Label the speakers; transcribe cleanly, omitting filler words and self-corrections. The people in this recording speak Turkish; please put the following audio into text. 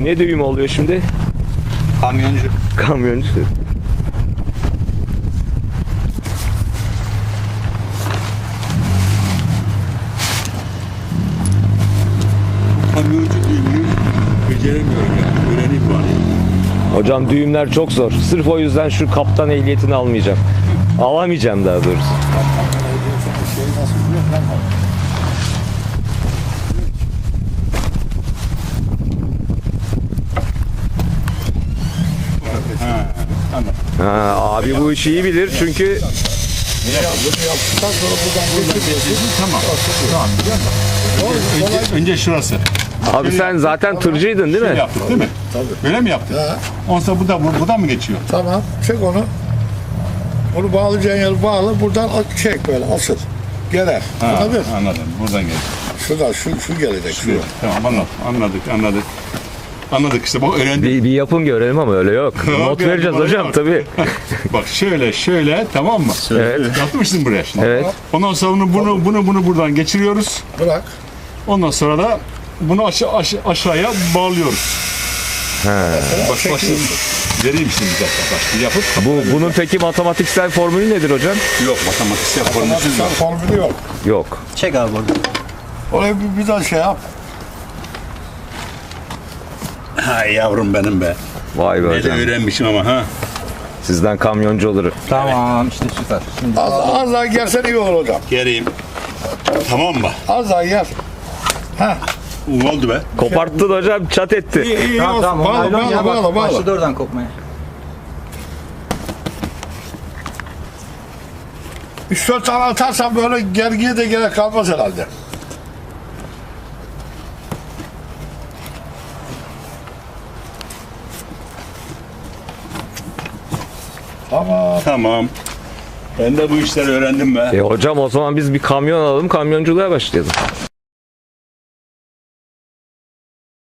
Speaker 1: Bu ne düğüm oluyor şimdi?
Speaker 2: Kamyoncu.
Speaker 1: Kamyoncu.
Speaker 2: Kamyoncu düğümünü beceremiyorum yani. Öğreneyim bari.
Speaker 1: Hocam düğümler çok zor. Sırf o yüzden şu kaptan ehliyetini almayacağım. Alamayacağım daha doğrusu.
Speaker 3: Şey nasıl biliyor musun?
Speaker 1: Ha, abi bu işi iyi bilir çünkü
Speaker 3: Yaptıktan sonra buradan geçiyorsun.
Speaker 2: Tamam. Önce şurası.
Speaker 1: abi sen zaten tırcıydın değil
Speaker 2: Şöyle
Speaker 1: mi?
Speaker 2: yaptık değil mi? Tabii. Böyle mi yaptık?
Speaker 3: Ha.
Speaker 2: Ondan sonra buradan mı geçiyor?
Speaker 3: Tamam, çek onu. Onu bağlayacağın yeri bağla, buradan çek böyle asıl. Gelir. Anladın?
Speaker 2: Anladım. Buradan geliyor.
Speaker 3: Şuradan, şu gelecek. Şu.
Speaker 2: Tamam anladık. Anladık işte bak öğrendik.
Speaker 1: Bir yapın görelim ama öyle yok. Not
Speaker 2: bir
Speaker 1: vereceğiz
Speaker 2: bana
Speaker 1: hocam
Speaker 2: bak.
Speaker 1: tabii.
Speaker 2: Bak şöyle tamam mı?
Speaker 1: Evet.
Speaker 2: Yapmışsın buraya şimdi.
Speaker 1: Evet.
Speaker 2: Ondan sonra bunu buradan geçiriyoruz.
Speaker 3: Bırak.
Speaker 2: Ondan sonra da bunu aşağıya bağlıyoruz. Başlayayım. Vereyim şimdi bir dakika. Başlayayım yapıp.
Speaker 1: Bunun peki matematiksel formülü nedir hocam?
Speaker 2: Yok matematiksel formülsüz yok.
Speaker 3: Formülü yok.
Speaker 1: Yok.
Speaker 4: Çek abi orada.
Speaker 3: Oraya bir daha şey yap.
Speaker 2: Ha yavrum benim be.
Speaker 1: Vay be
Speaker 2: Ne de
Speaker 1: hocam.
Speaker 2: öğrenmişim ama ha.
Speaker 1: Sizden kamyoncu olur.
Speaker 4: Tamam işte süper. Şimdi
Speaker 3: Az daha gelsen iyi olur hocam.
Speaker 2: Geleyim. Tamam mı?
Speaker 3: Az daha gel. Ha.
Speaker 2: Oldu be.
Speaker 1: Koparttın hocam, çat etti.
Speaker 3: İyi
Speaker 4: tamam
Speaker 3: olsun.
Speaker 4: tamam.
Speaker 3: Bağla,
Speaker 4: Naylon ya,
Speaker 3: bağla.
Speaker 4: başladı oradan kopmaya.
Speaker 3: 3-4 tane atarsan böyle gergiye de gerek kalmaz herhalde.
Speaker 2: Tamam. Ben de bu işleri öğrendim be.
Speaker 1: Hocam o zaman biz bir kamyon alalım, kamyonculuğa başlayalım.